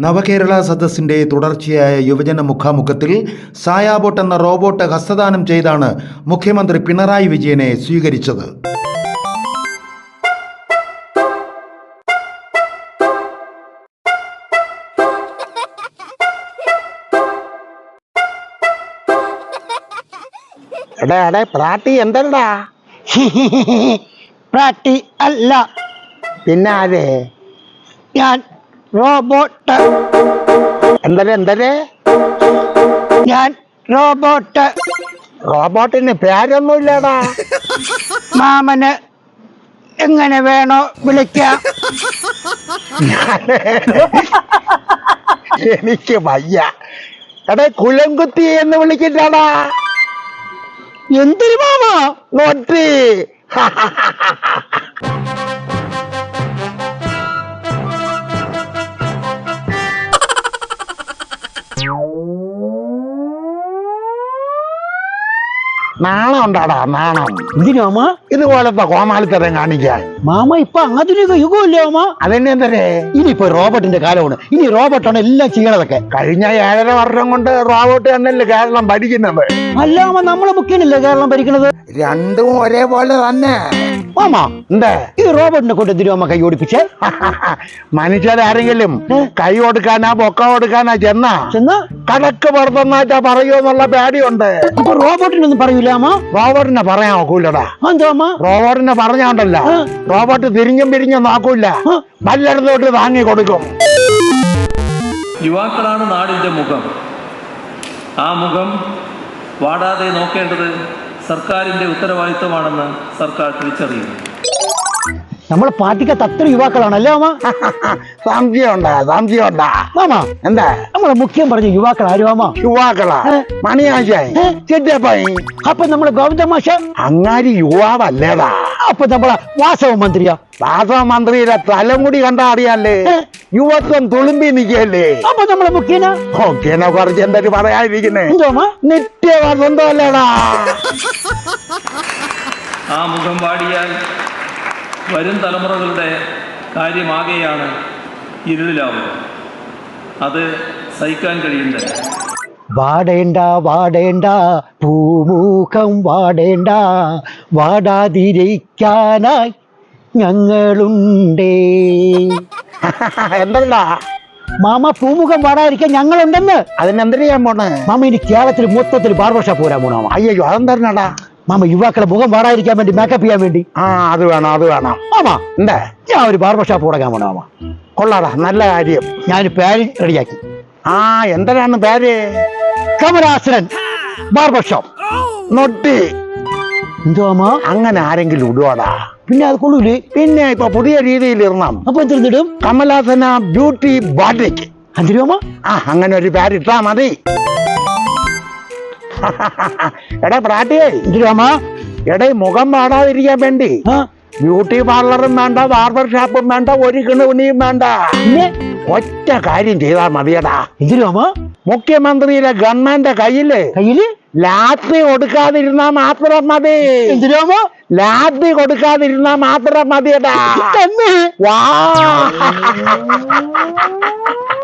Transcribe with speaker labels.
Speaker 1: നവകേരള സദസ്സിന്റെ തുടർച്ചയായ യുവജന മുഖാമുഖത്തിൽ സായാബോട്ട് എന്ന റോബോട്ട് ഹസ്തദാനം ചെയ്താണ് മുഖ്യമന്ത്രി പിണറായി വിജയനെ സ്വീകരിച്ചത്.
Speaker 2: പ്രാട്ടി എന്തടാ?
Speaker 3: പ്രാട്ടി അല്ല,
Speaker 2: പിന്നെ ആരേ?
Speaker 3: ഞാൻ റോബോട്ട്.
Speaker 2: എന്തരെ?
Speaker 3: ഞാൻ റോബോട്ട്.
Speaker 2: റോബോട്ടിന് പേരൊന്നുമില്ലടാ.
Speaker 3: മാമന് എങ്ങനെ വേണോ വിളിക്കാം.
Speaker 2: എനിക്ക് വയ്യ. കുലംകുത്തി എന്ന് വിളിക്കട്ടാടാ.
Speaker 3: എന്തൊരു മാമ?
Speaker 2: നോട്ടി. നാണം ഉണ്ടാടാ, നാണം.
Speaker 3: എന്തിനു മാമ
Speaker 2: ഇതുപോലത്തെ കോമാളിത്തരം കാണിക്കാൻ?
Speaker 3: മാമ ഇപ്പൊ ആധുനിക യുഗമല്ലേ മാമ?
Speaker 2: അതന്നെ എന്തരേ?
Speaker 3: ഇനിയിപ്പോ റോബോട്ടിന്റെ കാലമാണ്. ഇനി റോബോട്ടാണ് എല്ലാം ചെയ്യണതൊക്കെ.
Speaker 2: കഴിഞ്ഞ 7.5 വർഷം കൊണ്ട് റോബോട്ട് തന്നെയല്ലേ കേരളം ഭരിക്കുന്നത്?
Speaker 3: അല്ല മാമ, നമ്മളെ മുഖ്യനല്ലേ കേരളം ഭരിക്കണത്?
Speaker 2: രണ്ടും ഒരേപോലെ തന്നെ.
Speaker 3: മാമ
Speaker 2: എന്താ
Speaker 3: ഈ റോബോട്ടിനെ കൊണ്ട് എന്തിനു മാമ കൈ ഓടിപ്പിച്ചേ?
Speaker 2: മനുഷ്യരാരെങ്കിലും കൈ കൊടുക്കാനാ പൊക്ക കൊടുക്കാനാ ചെന്നാ കടക്ക് പുറത്തൊന്നായിട്ടാ പറയുമെന്നുള്ള പേടിയുണ്ട്.
Speaker 3: അപ്പൊ റോബോട്ടിനൊന്നും പറയൂല മാമ?
Speaker 2: റോബോട്ടിനെ പറയാൻ നോക്കൂലടാ.
Speaker 3: എന്താ മാമ?
Speaker 2: റോബോട്ടിനെ പറഞ്ഞോണ്ടല്ല, റോബോട്ട് തിരിഞ്ഞും പിരിഞ്ഞും നോക്കൂല, വല്ലയിടത്തോട്ട് താങ്ങി കൊടുക്കും.
Speaker 4: യുവാക്കളാണ് നാടിൻ്റെ മുഖം. ആ മുഖം വാടാതെ നോക്കേണ്ടത് സർക്കാരിൻ്റെ ഉത്തരവാദിത്തമാണെന്ന് സർക്കാർ തിരിച്ചറിയുന്നു.
Speaker 3: നമ്മളെ പാർട്ടിക്കകത്ത് അത്ര യുവാക്കളാണല്ലേ മാമ?
Speaker 2: സംശയമുണ്ടാ
Speaker 3: മാമ?
Speaker 2: എന്താ
Speaker 3: നമ്മളെ മുഖ്യം പറഞ്ഞ യുവാക്കൾ ആര് മാമ?
Speaker 2: യുവാക്കളാ? മണിയാശായി, ചെറ്റപ്പായി.
Speaker 3: അപ്പൊ നമ്മളെ ഗോവിന്ദ മാഷ
Speaker 2: അങ്ങാരി യുവാവല്ലേടാ.
Speaker 3: അപ്പൊ നമ്മളെ വാസവ മന്ത്രിയാ?
Speaker 2: വാസവ മന്ത്രിയുടെ തലമുടി കണ്ടാ അറിയാല്ലേ, യുവത്വം തുളുമ്പി നിക്കല്ലേ.
Speaker 3: അപ്പൊ നമ്മളെ മുഖ്യനാ?
Speaker 2: മുഖ്യനെ കുറിച്ച് എന്തൊരു പറയാതിരിക്കുന്നേ?
Speaker 3: എന്തോമാ?
Speaker 2: നിത്യവസന്തമല്ലേടാ.
Speaker 4: ആ മുഖം വാടിയാൽ വരും തലമുറകളുടെ കാര്യമാകെയാണ് ഇരുളിലാവുക. അത് സഹിക്കാൻ കഴിയുന്നില്ല.
Speaker 3: വാടേണ്ട വാടേണ്ട പൂമുഖം വാടേണ്ട, വാടാതിരിക്കാനായി ഞങ്ങളുണ്ടേ.
Speaker 2: എന്തല്ലാ
Speaker 3: മാമ, പൂമുഖം വാടാതിരിക്കാൻ ഞങ്ങളുണ്ടെന്ന്.
Speaker 2: അതിനെന്തിനു ചെയ്യാൻ പോണേ
Speaker 3: മാമ? ഇനി കേരളത്തിൽ മൊത്തത്തിൽ ബാർബർ ഷോപ്പ് വരാൻ പോണോ?
Speaker 2: അയ്യോ, അതെന്താ
Speaker 3: മാമ? യുവാക്കളെ മുഖം വാടാതിരിക്കാൻ വേണ്ടി മേക്കപ്പ് ചെയ്യാൻ വേണ്ടി.
Speaker 2: അത് വേണം.
Speaker 3: മാമ,
Speaker 2: എന്താ?
Speaker 3: ഞാൻ ഒരു ബാർബർ ഷോപ്പ് തുടങ്ങാൻ പോണോ മാമ?
Speaker 2: കൊള്ളാടാ, നല്ല കാര്യം.
Speaker 3: ഞാൻ പേര് റെഡിയാക്കി.
Speaker 2: എന്തിനാണ് പേര്?
Speaker 3: Kamalasanan barber shop.
Speaker 2: നൊട്ടി.
Speaker 3: എന്തോ മാമ?
Speaker 2: അങ്ങനെ ആരെങ്കിലും ഇടുവാടാ?
Speaker 3: പിന്നെ അത് കൊള്ളൂലേ?
Speaker 2: പിന്നെ ഇപ്പൊ പുതിയ രീതിയിൽ ഇടണം.
Speaker 3: അപ്പൊ എന്തിടും?
Speaker 2: കമലാസന ബ്യൂട്ടി ബാറ്റിക്.
Speaker 3: എന്തിനു മാമ?
Speaker 2: അങ്ങനെ ഒരു പേരിട്ടാ മതി. എടാ പ്രാട്ടിയേ, മുഖം പാടാതിരിക്കാൻ വേണ്ടി ബ്യൂട്ടി പാർലറും വേണ്ട, ബാർബർ ഷോപ്പും വേണ്ട, ഒരു കിണുണിയും വേണ്ട. ഒറ്റ കാര്യം ചെയ്താൽ മതിയടാ.
Speaker 3: എന്തിനു മാമ?
Speaker 2: മുഖ്യമന്ത്രിയുടെ ഗവൺമെന്റ് കയ്യില് ലാത്തി കൊടുക്കാതിരുന്നാ മാത്രം മതി.
Speaker 3: എന്തിനു മാമ?
Speaker 2: ലാത്തി കൊടുക്കാതിരുന്നാ മാത്രം മതിയടാ.
Speaker 3: തന്നെ?
Speaker 2: വാ.